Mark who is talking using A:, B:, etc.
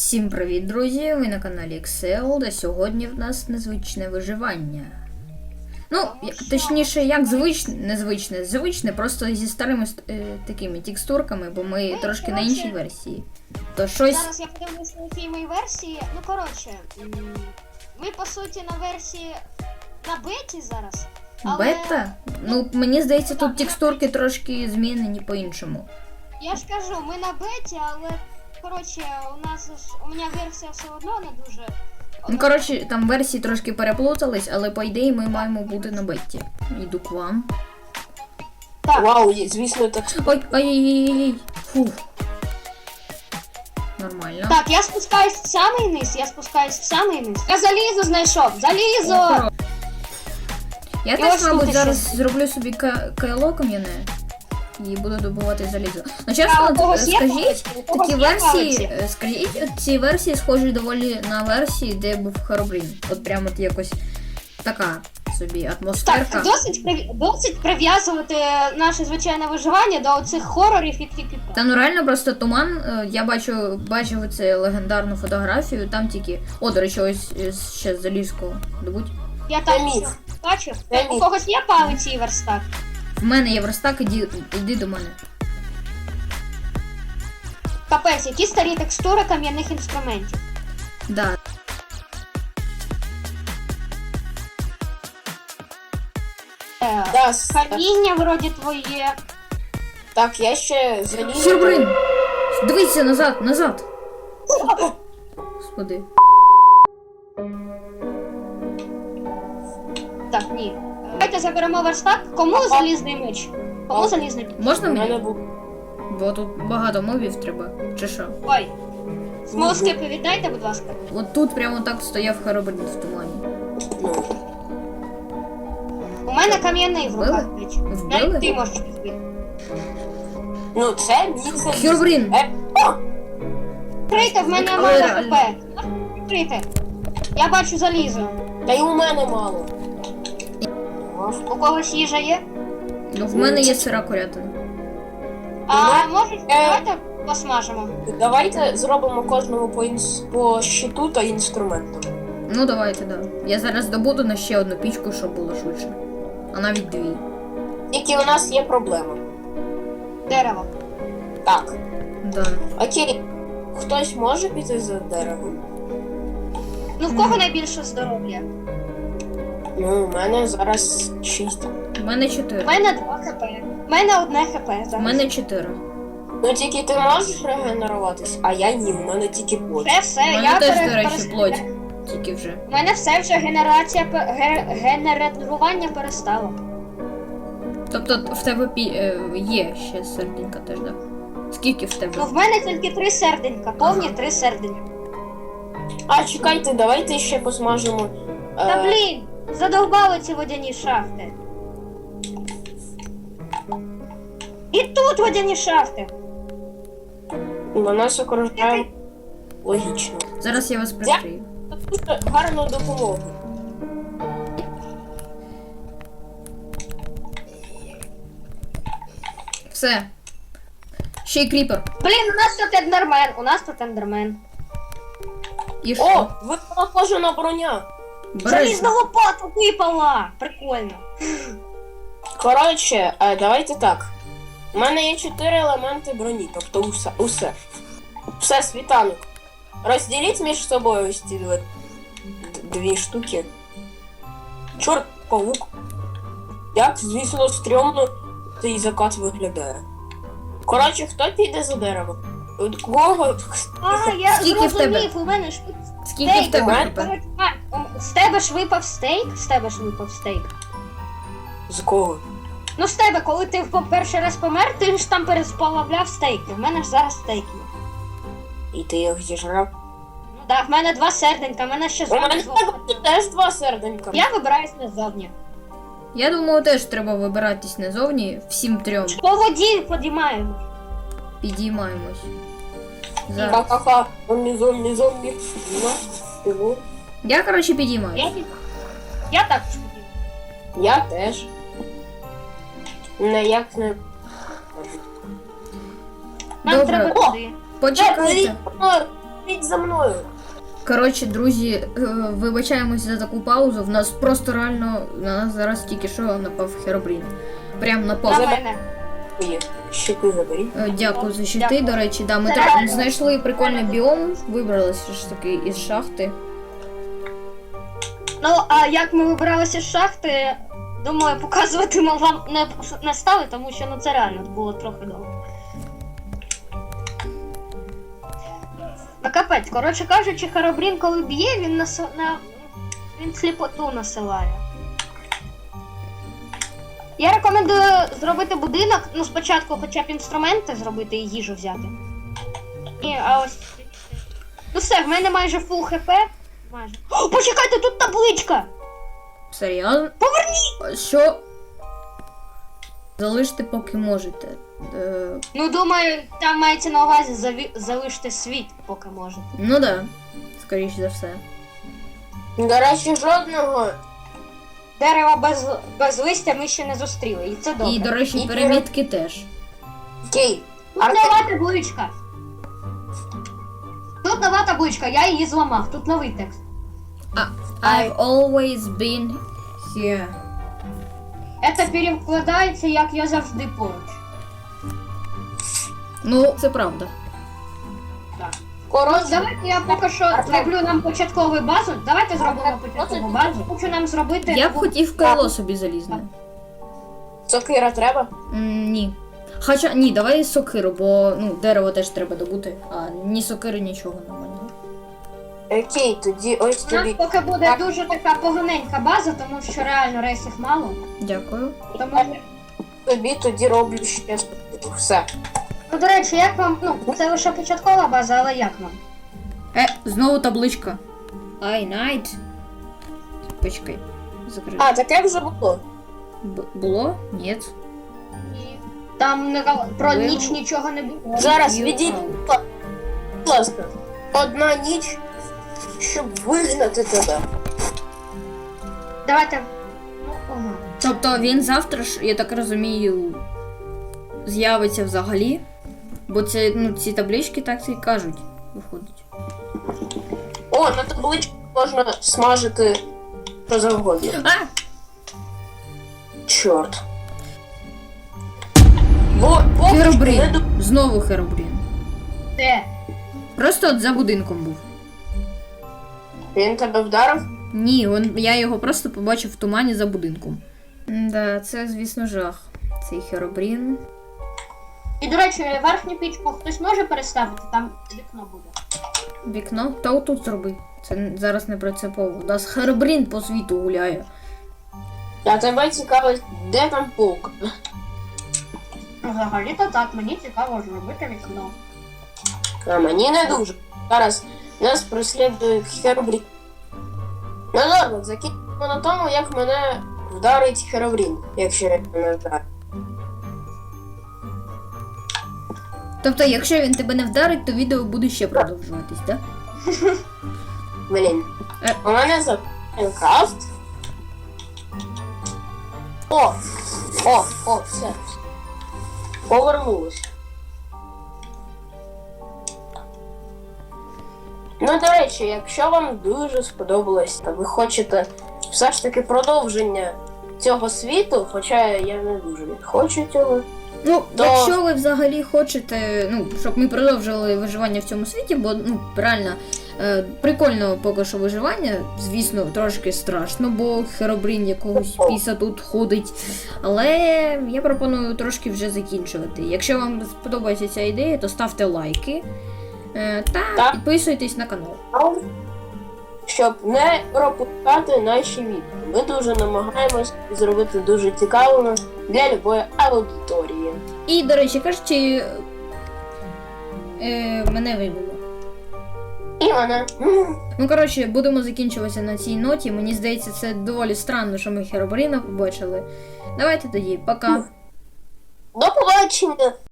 A: Всім привіт, друзі! Ви на каналі Excel, де сьогодні в нас незвичне виживання. Ну, точніше, як звичне, просто зі старими такими текстурками, бо ми трошки на іншій версії. То щось...
B: Зараз я подивлюсь на якій моїй версії. Ну, коротше, ми, по суті, на версії на беті зараз. Але...
A: Бета? Ну, мені здається, тут текстурки трошки змінені по-іншому.
B: Я ж кажу, ми на беті, але, коротше, у мене версія все одно не дуже...
A: Ну, коротше, там версії трошки переплутались, але по ідеї ми маємо бути на беті. Йду к вам.
B: Так.
C: Вау, звісно, так.
A: Ой. Фух. Нормально.
B: Так, я спускаюсь в самий низ, Я залізо знайшов, залізо!
A: Я теж, мабуть, зараз зроблю собі кайло кам'яне і буду добувати залізо. Ну, чесно, скажіть, ці версії схожі доволі на версії, де був Herobrine. От прямо от якось така собі атмосферка.
B: Так, досить прив'язувати наше звичайне виживання до оцих хорорів і тільки.
A: Та ну реально просто туман, я бачив цю легендарну фотографію, там тільки... О, до речі, ось ще залізко добудь.
B: Я там все бачив. У когось є палиці і верстак?
A: В мене є верстак, іди до мене.
B: Капець, які старі текстури кам'яних інструментів.
A: Да.
B: Каміння вроді твоє.
C: Так, я ще залізу.
A: Herobrine! Дивіться назад! Господи.
B: Так, ні. Давайте заберемо верстак. Кому залізний меч? Кому залізний меч?
A: Можна
C: У мене
A: мені?
C: був.
A: Бо тут багато мобів треба. Чи що?
B: Ой. Смолоскипи віддайте, будь ласка.
A: От тут прямо так стояв Herobrine в тумані.
B: У мене кам'яний в руках меч.
A: Вбили?
B: Навіть ти можеш відбити.
C: Ну, це мій заліз.
A: Herobrine!
B: Відкрийте, в мене
A: Але
B: мало
A: реально.
B: хп. Відкрийте. Я бачу залізо.
C: Та й у мене мало.
B: У когось їжа є?
A: Ну, в мене є сира курятина.
B: А може, давайте посмажемо.
C: Давайте зробимо кожному по щиту та інструменту.
A: Ну, давайте, да. Я зараз добуду на ще одну пічку, щоб було швидше. А навіть дві.
C: Тільки у нас є проблема.
B: Дерево.
C: Так.
A: Да.
C: Окей. Хтось може піти за деревом?
B: Ну в кого найбільше здоров'я?
C: Ну, у мене зараз 6.
A: У мене
B: У
A: 4.
B: мене 2 хп. У мене 1 хп зараз.
A: У мене 4.
C: Ну тільки ти можеш регенеруватись, а я ні, у мене тільки плоть.
B: Все,
A: У мене
B: я
A: теж, до речі, плоть. Тільки вже.
B: У мене все вже генерування перестало.
A: Тобто в тебе є ще серденька теж, да? Скільки в тебе?
B: Ну в мене тільки 3 серденька, повні 3 серденька.
C: А, чекайте, давайте ще посмажемо.
B: Та блін, задовбали ці водяні шахти. І тут водяні шахти.
C: На нас окружає логічно.
A: Зараз я вас прикрию.
C: Дуже гарну допомогу.
A: Все. Ще й кріпер.
B: Блін, у нас тут ендермен.
A: І що?
C: О, випала броня.
A: Бери.
B: Залізна лопата випала! Прикольно.
C: Коротше, давайте так. У мене є 4 елементи броні, тобто усе. Все, світанок. Розділіть між собою ось ці дві штуки. Чорт, павук. Як, звісно, стрьомно цей закат виглядає. Коротше, хто піде за дерево? Кого?
B: А, я
A: Скільки в тебе?
B: зрозумів, у мене ж тут
A: Скільки в тебе
C: Стейк.
A: кріпер?
B: з тебе ж випав стейк? З тебе ж випав стейк.
C: З кого?
B: Ну з тебе, коли ти перший раз помер, ти ж там пересплавляв стейки. В мене ж зараз стейки.
C: І ти їх зіжрав?
B: Ну так, в мене 2 серденька, в мене ще
C: У мене
B: зовні.
C: теж 2 серденька.
B: Я вибираюсь назовні.
A: Я думаю, теж треба вибиратись назовні. Всім 3.
B: По воді підіймаємо.
A: Підіймаємось. Зараз.
C: Ха-ха-ха, зомбі. Ну,
A: Я, коротше, підіймаюсь.
B: Я також підіймаю.
C: я теж. Ніяк не...
B: Нам
A: Добре.
B: треба туди.
A: Почекайте.
C: Ідіть за мною.
A: Коротше, друзі, вибачаємось за таку паузу. В нас просто реально на нас зараз тільки що напав Херобрін. Прям напав.
B: На мене.
C: Ой, щити заберіть.
A: Дякую за щити,
B: Дякую.
A: до речі, да, ми
B: Це
A: так
B: реально.
A: знайшли прикольний біом, вибралися ж таки із шахти.
B: Ну, а як ми вибиралися з шахти, думаю, показувати ми вам не стали, тому що ну це реально було трохи довго. Ну капець, коротше кажучи, Херобрін, коли б'є, він сліпоту насилає. Я рекомендую зробити будинок, ну спочатку хоча б інструменти зробити і їжу взяти. А ось. Ну все, в мене майже фул хп. Майже. О, почекайте, тут табличка!
A: Серйозно? Поверніть! Що? Залиште, поки можете.
B: Ну, думаю, там мається на увазі залишити світ, поки можете.
A: Ну да, скоріш за все.
C: До речі, жодного.
B: Дерева без листя ми ще не зустріли, і це добре.
A: І, до речі,
C: І
A: перемітки теж.
C: Окей.
B: Тут нова табличка. Тут нова табличка, я її зламав, тут новий текст.
A: I've always been here.
B: Це перекладається, як я завжди поруч.
A: Ну, це правда.
B: Так.
C: Коротше,
B: Давайте я поки що зроблю нам початкову базу. Давайте зробимо початкову базу. Хочу нам зробити...
A: Я б хотів крило собі залізне.
C: сокира треба?
A: Ні. Хоча, ні, давай сокиру, бо ну, дерево теж треба добути, а ні сокири, нічого нормального.
C: Окей, тоді ось
B: У нас
C: тобі.
B: поки буде дуже така поганенька база, тому що реально рейсів мало.
A: Дякую.
B: Тому...
C: Тобі тоді роблю ще все.
B: Ну, до речі, як вам, ну, це лише початкова база, але як вам?
A: Знову табличка. I night. Почекай. Закрив.
C: А, таке вже було.
A: Було? Ні.
B: Там про
A: Ви-
B: ніч нічого не було.
C: Зараз
A: You
C: відійди,
A: out.
C: будь ласка. Одна ніч, щоб вигнати тебе.
B: Давайте. Ну, ага.
A: Тобто він завтра ж, я так розумію, з'явиться взагалі. Бо це, ну, ці таблички так і кажуть, виходить.
C: О, на табличці можна смажити що завгодно.
A: А!
C: Чорт. Бо не
A: Херобрін.
C: ду-
A: Знову Херобрін.
B: Де?
A: Просто от за будинком був.
C: Він тебе вдарив?
A: Ні, я його просто побачив в тумані за будинком. Да, це, звісно, жах. Цей Херобрін.
B: І, до речі, верхню пічку хтось може переставити, там вікно буде.
A: Вікно? Та отут зроби. Це зараз не принципово. У нас Херобрін по світу гуляє.
C: А тебе цікавить, де там полк?
B: Взагалі-то так, мені цікаво зробити вікно.
C: А мені не дуже. Зараз нас преслідує Херобрін. Ну добре, закінчимо на тому, як мене вдарить Херобрін, якщо я не вдарю.
A: Тобто, якщо він тебе не вдарить, то відео буде ще продовжуватись, так?
C: Блін.
A: Е.
C: У мене за Майнкрафт. О, все. Повернулось. Ну, до речі, якщо вам дуже сподобалось, та ви хочете все ж таки продовження цього світу, хоча я не дуже хочу цього.
A: Ну,
C: То-
A: якщо ви взагалі хочете, ну, щоб ми продовжили виживання в цьому світі, бо ну реально прикольно поки що виживання, звісно, трошки страшно, бо Херобрін якогось піса тут ходить. Але я пропоную трошки вже закінчувати. Якщо вам сподобається ця ідея, то ставте лайки та
C: Так.
A: підписуйтесь на канал.
C: Щоб не пропускати наші відео. Ми дуже намагаємось зробити дуже цікавими для любої аудиторії.
A: І, до речі, кажучи, мене вибило.
C: І вона.
A: Ну, коротше, будемо закінчуватися на цій ноті. Мені здається, це доволі странно, що ми Херобріна побачили. Давайте тоді, пока.
C: До побачення!